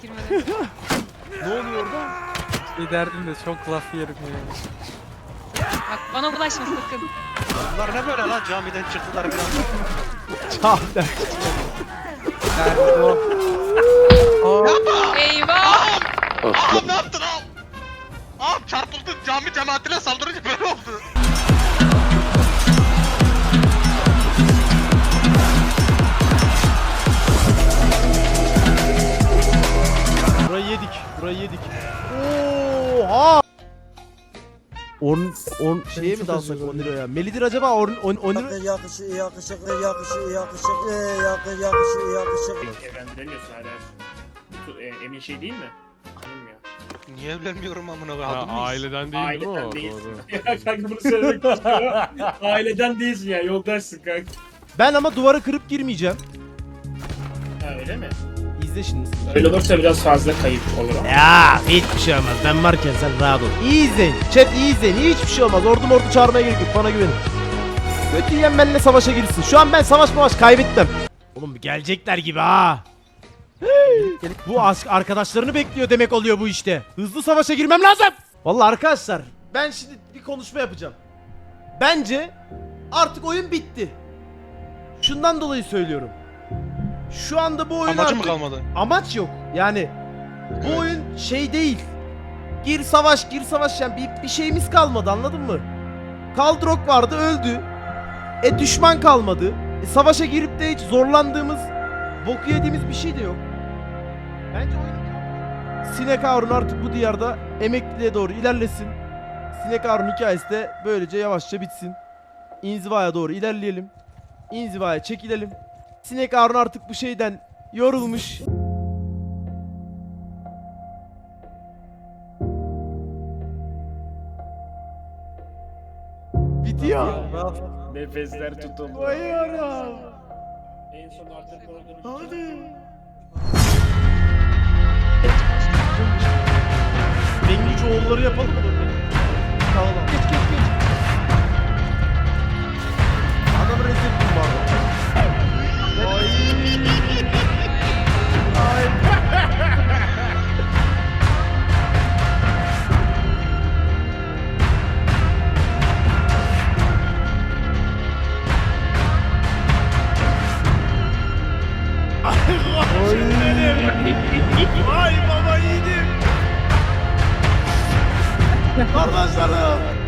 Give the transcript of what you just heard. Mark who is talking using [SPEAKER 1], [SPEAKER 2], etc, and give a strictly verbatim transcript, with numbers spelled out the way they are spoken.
[SPEAKER 1] girmeden.
[SPEAKER 2] Ne oluyor orada?
[SPEAKER 3] Şey derdim de çok laf yerim ya.
[SPEAKER 1] Bak bana bulaşma sakın.
[SPEAKER 4] Bunlar ne böyle lan, camiden çıktılar bir anda.
[SPEAKER 2] Camiden.
[SPEAKER 3] Derdim o. O.
[SPEAKER 1] Eyvah!
[SPEAKER 4] Ağam ne yaptın ağam? Ağam çarpıldın, cami cemaatine saldırınca böyle oldu.
[SPEAKER 2] Burayı yedik. Burayı yedik. Oha! On, on şeye mi dalsak on liraya? Melidir acaba on, on, on lira?
[SPEAKER 5] Yakışık, yakışık, yakışık, yakışık, yakışık, yakışık, yakışık.
[SPEAKER 6] Evlendiremiyorsun hala. Tu- e, Emin şey değil mi? Hanım ya.
[SPEAKER 4] Niye evlenmiyorum amına
[SPEAKER 7] Ha,
[SPEAKER 4] koyayım? Adam mıyız?
[SPEAKER 7] aileden değil değil mi
[SPEAKER 6] Aileden
[SPEAKER 7] o?
[SPEAKER 6] değilsin.
[SPEAKER 7] Doğru.
[SPEAKER 6] Ya kanka bunu söylemek istiyorum. Aileden değilsin ya, yoldaşsın kanka.
[SPEAKER 2] Ben ama duvara kırıp girmeyeceğim.
[SPEAKER 6] Ha öyle mi?
[SPEAKER 2] İzle şimdi.
[SPEAKER 6] Öyle olursa biraz fazla kayıp olur ama.
[SPEAKER 2] Ya hiçbir şey olmaz. Ben varken sen rahat ol. İyi izleyin. Chat iyi izleyin. Hiçbir şey olmaz. Ordu mordu çağırmaya gerek yok. Bana güvenin. Kötü yiyen benimle savaşa girsin. Şu an ben savaş savaş kaybettim. Oğlum gelecekler gibi ha. Bu aşk arkadaşlarını bekliyor demek oluyor bu işte. Hızlı savaşa girmem lazım. Vallahi arkadaşlar ben şimdi bir konuşma yapacağım. Bence artık oyun bitti. Şundan dolayı söylüyorum. Şu anda bu oyun
[SPEAKER 4] Amacı
[SPEAKER 2] artık...
[SPEAKER 4] mı kalmadı?
[SPEAKER 2] Amaç yok. Yani bu
[SPEAKER 4] Evet.
[SPEAKER 2] oyun şey değil. Gir savaş, gir savaş yani bir, bir şeyimiz kalmadı anladın mı? Kaldrok vardı öldü. E düşman kalmadı. E, savaşa girip de hiç zorlandığımız, boku yediğimiz bir şey de yok. Bence oyun Sinek Harun artık bu diyarda emekliliğe doğru ilerlesin. Sinek Harun hikayesi de böylece yavaşça bitsin. İnzivaya doğru ilerleyelim. İnzivaya çekilelim. Sinek Harun artık bu şeyden yorulmuş. Bitiyor.
[SPEAKER 6] Nefesler tutuldu.
[SPEAKER 2] Bayıyorum.
[SPEAKER 6] En son artık gördüğünüz
[SPEAKER 2] Hadi. Bengücü oğulları yapalım mı? Tamam. Geç geç geç. Adamı rezil ettim bu arada. Ay. Ay. Ay baba yiğidim. Kardeşlerim.